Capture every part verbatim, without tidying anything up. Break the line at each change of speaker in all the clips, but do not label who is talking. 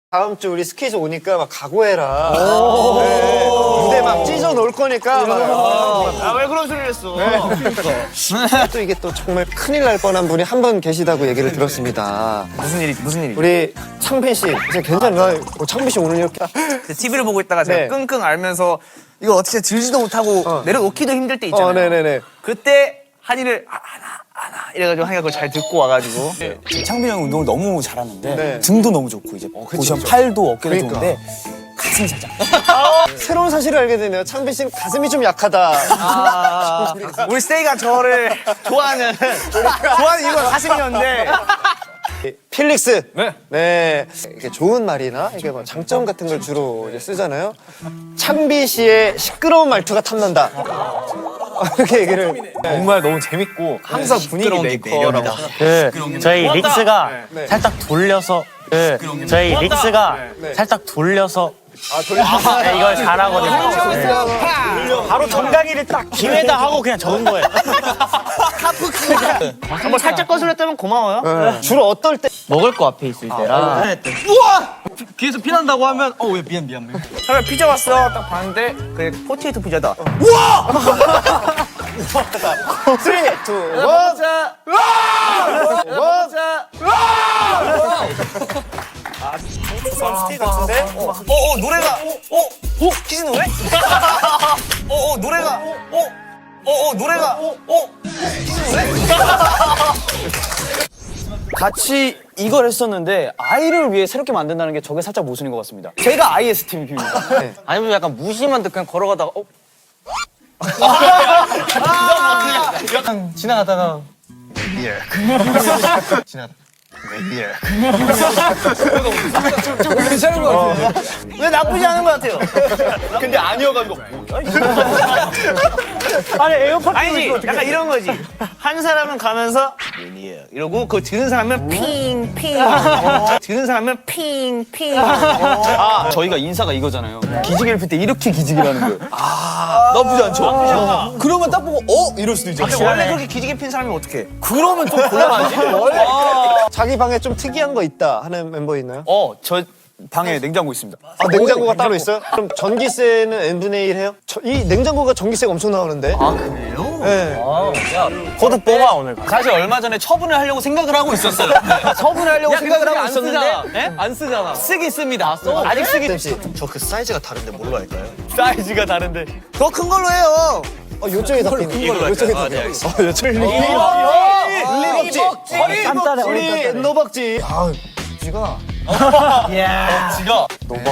다음 주 우리 스케줄 오니까 막 각오해라. 네. 무대 막 찢어 놓을 거니까.
아, 왜 그런 소리를 했어? 네.
또 이게 또 정말 큰일 날 뻔한 분이 한 분 계시다고 얘기를 들었습니다.
무슨 일이 무슨 일이?
우리 창빈 씨, 이제 괜찮나? 어, 창빈 씨 오늘 이렇게
티비를 보고 있다가 제가
네.
끙끙 앓면서 이거 어떻게 들지도 못하고
어.
내려놓기도 힘들 때 있잖아요.
어, 네네네.
그때 한이를 아, 하나 하나 이래가지고 한이가 그걸 잘 듣고 와가지고
창빈이 형 운동을 너무 잘하는데
네.
등도 너무 좋고 이제 보시면 팔도 어깨도
그러니까.
좋은데 가슴이 살짝
새로운 사실을 알게 되네요. 창빈 씨는 가슴이 좀 약하다.
아, 우리 스테이가 저를 좋아하는 좋아하는 이유가 가슴이었는데
필릭스. 네. 네. 이게 좋은 말이나 이게 뭐 장점 같은 걸 주로 이제 쓰잖아요. 창빈 씨의 시끄러운 말투가 탐난다. 이렇게 얘기를.
정말 너무 재밌고 항상 분위기 메이커라고.
그 저희 릭스가
네.
살짝 돌려서 그 저희 릭스가
네.
살짝 돌려서
아, 돌려서.
네, 이걸 잘하거든요. 네. 바로 정강이를 딱 기회다 하고 그냥 적은 거예요.
한번 살짝 거슬렸다면 고마워요.
네. 주로 어떨 때?
먹을 거 앞에 있을 때라.
귀에서 피난다고 하면 어 왜 미안 미안 미안
처음에 피자 왔어 딱 봤는데 그게 포테이토 피자다.
쓰리, 투, 원. 자. 원. 자. 스틱 같은데?
어, 어 노래가 어, 어 키즈 노래? 어, 어 노래가 어, 어, 어 노래가 어, 키즈 노래?
같이 이걸 했었는데 아이를 위해 새롭게 만든다는 게 저게 살짝 모순인 것 같습니다. 제가 아이에스티입니다.
아니면 약간 무심한 듯 그냥 걸어가다가 어?
약간 지나가다가 괜찮은 것 같아요.
왜 나쁘지 않은 것 같아요.
근데 아니어가지고.
아니 에어팟
아니지 약간 이런 거지. 한 사람은 가면서 이러고 그거 들은 사람은 핑핑 들은 사람은 핑핑
아 저희가 인사가 이거잖아요. 기지개를 필 때 이렇게 기지개라는 거예요. 아 나쁘지 않죠? 그러면 딱 보고 어 이럴 수도 있죠.
근데 원래 그렇게 기지개 핀 사람이 어떡해?
그러면 좀 곤란하지?
자기 방에 좀 특이한 거 있다 하는 멤버 있나요?
어저 방에 냉장고 있습니다.
아, 냉장고가 따로 있어요? 그럼 전기세는 엔분의 일 해요? 저, 이 냉장고가 전기세가 엄청 나오는데.
아 그래요?
네.
코드 뽑아 오늘.
사실 얼마 전에 처분을 하려고 생각을 하고 있었어요. 처분을 하려고 생각을 하고 있었는데 네? 안 쓰잖아. 쓰기 씁니다. 아직 쓰기
씨.
저 그 사이즈가 다른데 뭘로 할까요?
사이즈가 다른데.
더 큰 걸로 해요.
어, 요쪽에 다 피는. 요쪽에 다
아, 네,
피는.
알겠습니다.
어, 요쪽에 다 피는. 리벅지.
깐깐해,
우리 노벅지. 아, 쥐가.
지가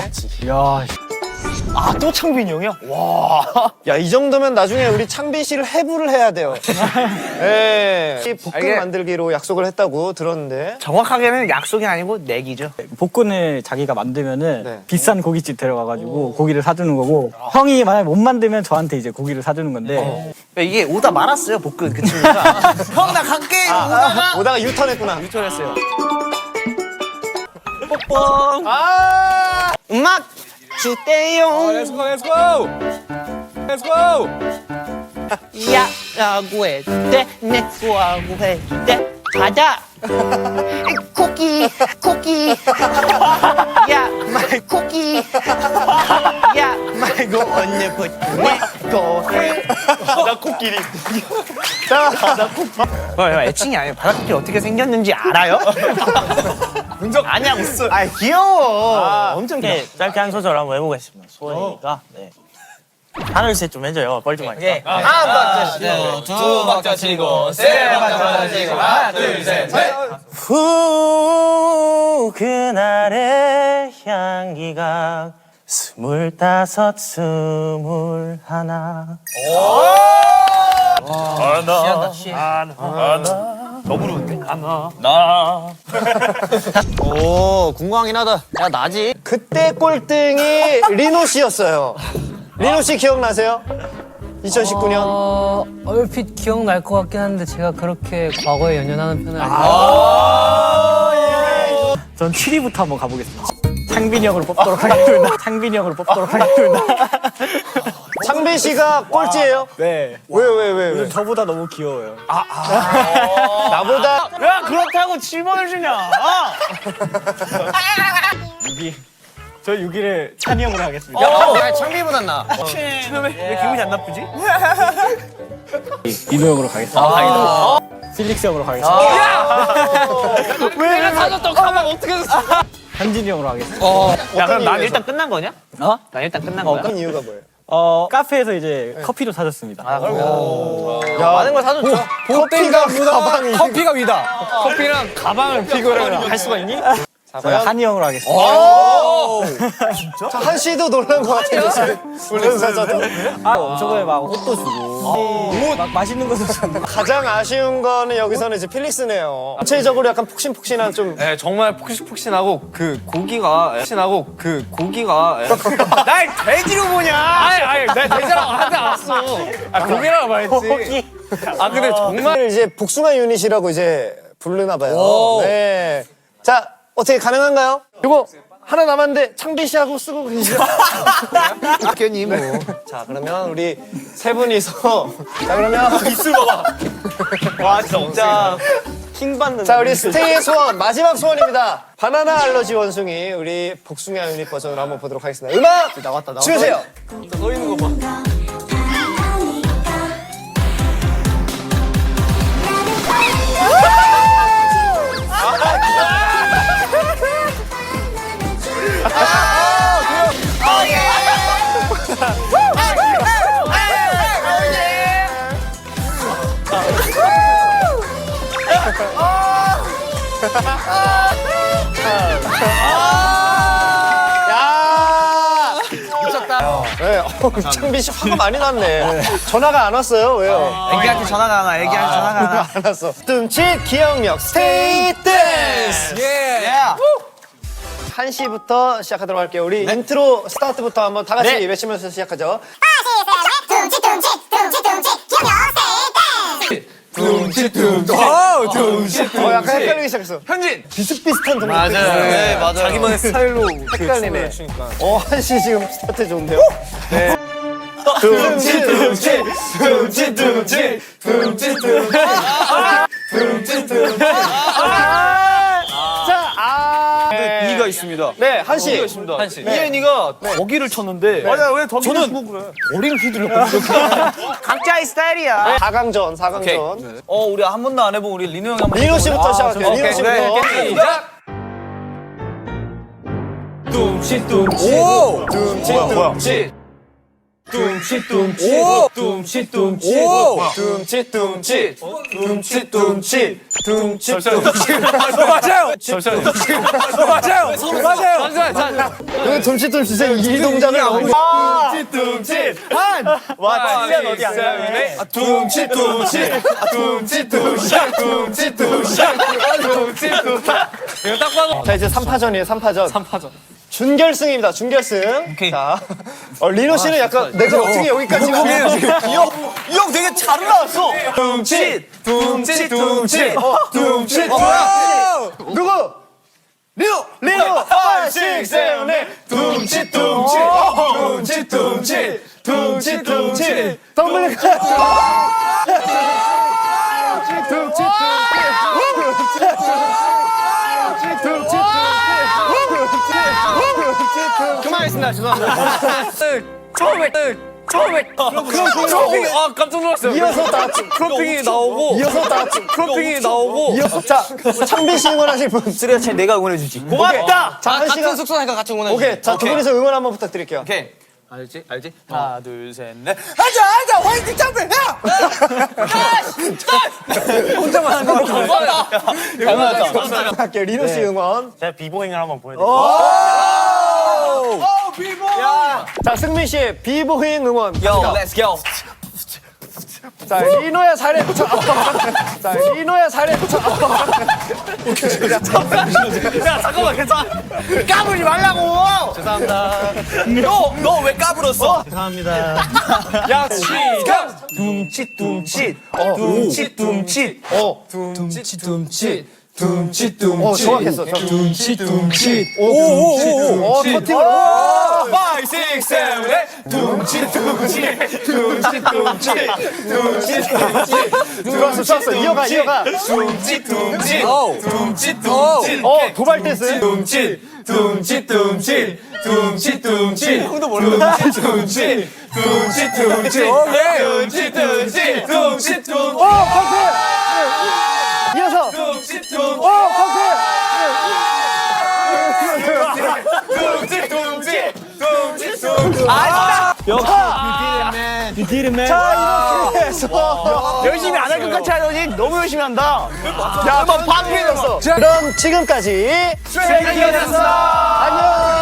아 또 창빈이 형이야?
야, 이 정도면 나중에 우리 창빈 씨를 해부를 해야 돼요. 예. 이 볶음
알게.
만들기로 약속을 했다고 들었는데.
정확하게는 약속이 아니고 내기죠.
복근을 자기가 만들면은
네.
비싼 고깃집 데려가가지고 고기를 사주는 거고 형이 만약에 못 만들면 저한테 이제 고기를 사주는 건데
이게 오다 말았어요 복근 그 친구가. 형 나 갈게 이러고 오다가
오다가 유턴했구나.
유턴했어요.
아!
음악 주대용
Let's go, let's go, let's go.
야라고 해대 내꺼하고 해대 가자 코끼 코끼 야 말 코끼 야 말고 언제부터 내꺼
나 코끼리.
어, 애칭이 아니에요. 바닥코끼리 어떻게 생겼는지 알아요? 아니야 무슨 아 귀여워 엄청 귀여워.
네, 짧게 한 소절 한번 해보겠습니다. 소연이가 네. 하나 둘셋 좀 해줘요. 뻘 좀 하니까.
한 박자 치고
두 박자 치고 세 박자 치고 하나 둘 셋 넷.
후 그날의 향기가 스물다섯 스물하나
오 궁금하긴 하다. 야 나지.
그때 꼴등이 리노 씨였어요. 리노 씨 기억나세요? 이천십구 년.
어, 얼핏 기억날 것 같긴 한데 제가 그렇게 과거에 연연하는 편은 아니에요.
전 칠 위부터 한번 가보겠습니다. 창빈이 형으로 뽑도록 하겠습니다. 창빈이 형으로 뽑도록 하겠습니다.
창빈 씨가 꼴찌예요?
네.
왜, 왜, 왜, 왜?
저보다 너무 귀여워요.
나보다
야 그렇다고 칠 번을 주냐?
육 위. 저 육 위를 찬이 형으로 하겠습니다.
야, 창비보단 나.
왜 기분이 안 나쁘지?
이도 형으로 가겠습니다. 필릭스 형으로 가겠습니다.
내가 사줬던 가방 어떻게 됐어?
한진이 형으로 하겠습니다.
야 그럼 난 일단 끝난 거냐?
어?
난 일단 끝난
어,
거야?
그런 이유가 뭐예요?
어, 카페에서 이제 커피도 사줬습니다.
야,
많은 걸 사줬죠.
커피가 가방이.
커피가 위다. 커피랑 가방을 비교를 할 수가 있니?
제가 한이 형으로 하겠습니다.
자, 한 씨도 놀란 것 같아요. 훈련사자도.
아, 저번에 막 옷도 주고 막 맛있는 것도 줬는데
가장 아쉬운 거는 여기서는 이제 필릭스네요. 전체적으로 약간 폭신폭신한 좀.
네, 정말 폭신폭신하고 그 고기가 폭신하고 그 고기가
날 돼지로 보냐?
아니 아니 내 돼지라고 하지 않았어. 아 고기라고 말했지. 아 근데 정말
정말 이제 복숭아 유닛이라고 이제 부르나 봐요. 네. 자, 어떻게 가능한가요? 이거 하나 남았는데 창비 씨하고 쓰고 계시죠? 학교니 뭐. 자, 그러면 우리 세 분이서 자, 그러면
입술 봐봐. 와 진짜 킹 받는.
자, 우리 스테이의 소원 마지막 소원입니다. 바나나 알러지 원숭이 우리 복숭아 유닛 버전으로 한번 보도록 하겠습니다. 음악 나왔다 나왔다. 주세요.
서 있는 거 봐.
야! 미쳤다. 네, 어, 창비 씨 화가 많이 났네. 전화가 안 왔어요. 왜요?
애기한테 전화가 안 와. 애기한테 전화가 안 와.
안 왔어. 뜸칫 기억력 스테이 댄스. 예. 한 시부터 시작하도록 할게요. 우리 인트로 스타트부터 한번 다 같이 외치면서 시작하죠.
둠칫 둠칫 둠칫 둠칫 기억력 스테이 댄스.
어, 약간 헷갈리기 시작했어.
현진
비슷비슷한 동작.
맞아요. 네 맞아요.
자기만의 스타일로
헷갈리네. 어, 한 시 지금 스타트 좋은데요? 네. 둠칫 둠칫 둠칫 둠칫 둠칫 둠칫 둠칫 둠칫 자, 아. 네.
이가 있습니다.
네, 한 시.
있습니다. 한시. 이엔이가 거기를 쳤는데
맞아 왜 더
저는 머리를 휘둘렸거든요.
각자의 스타일이야.
사 강전, 사 강전.
어 우리 한 번도 안 해본 우리 리노 형이 한번
리노 씨부터 시작할게요. 리노 씨부터.
시작. 둠칫 둠칫
오!
둠칫 둠칫 둠칫 둠칫
오!
둠칫 둠칫
오! 둠칫 둠칫 둠칫 둠칫 둠칫 둠칫
맞아요. 잠시만요. 맞아요. 맞아요. 잠시만요.
왜 둠칫 둠칫의 이 동작을 너무 둠칫 둠칫 한!
와 찔리는 어디 안 가네.
둠칫 둠칫 둠칫 둠칫 둠칫 둠칫 둠칫 둠칫
이거 딱 봐도
자, 이제 삼 파전이에요. 삼 파전.
삼 파전.
준결승입니다. 준결승. 자, 어, 리노 씨는 약간 내가 어떻게 여기까지
이형 되게 잘 올라왔어.
둠칫 둠칫 둠칫
어,
둠칫 뭐야? 누구? 리노! 리노! 오, 육, 칠, 팔 둠칫 둠칫 둠칫 둠칫 둠칫 둠칫 덤블 둠칫 둠칫
그만하겠습니다. 죄송합니다. 처음에 처음에 크로핑이 아 깜짝 놀랐어요.
이어서 다
크로핑이 나오고
이어서 다
크로핑이 나오고
이어서 자 창빈 씨 응원하실 분
쓰레기 차이 내가 응원해주지.
고맙다.
자, 한 시간
숙소니까 같이 응원해.
오케이 자 두 분이서 응원 한번 부탁드릴게요.
오케이. 알지? 알지? 하나, 둘, 셋, 넷.
하자 하자 화이팅 champion 야.
혼자만 하는 거 감사합니다. 감사합니다.
할게요. 리노 씨 응원.
제가 비보잉을 한번 보여드릴게요.
오 비보.
자 승민 씨의 비보잉 응원.
Yo, let's go.
자 리노의 살에 붙여. 자 리노의 살에 붙여.
야, 잠깐만, 괜찮아.
까불지 말라고.
죄송합니다.
너 너 왜 까불었어?
감사합니다.
야, 시작!
둠칫 둠칫 둠칫 둠칫
어 둠칫 둠칫 둠치 둠치. 어 정확했어. 둠치 둠치.
오오오오.
어 터팅을.
파이브, 식스, 세븐, 에잇. 둠치, 둠치, 둠치, 둠치, 둠치, 둠치.
좋았어 좋았어. 이어가 이어가.
둠치, 둠치, 둠치, 둠치.
어 도발 댄스.
둠치, 둠치, 둠치, 둠치, 둠치. 형도 몰라. 둠치, 둠치, 둠치, 둠치. 오케이. 둠치, 둠치, 둠치, 둠치.
어 커트. 이어서.
둠치, 둠치.
어 커트.
둠치, 둠치, 둠치, 둠치. 아,
자 이렇게 해서
열심히 안 할 것 같이 하더니 너무 열심히 한다.
야, 한번 반피해졌어. 그럼 지금까지
스트레이키즈였습니다.
안녕.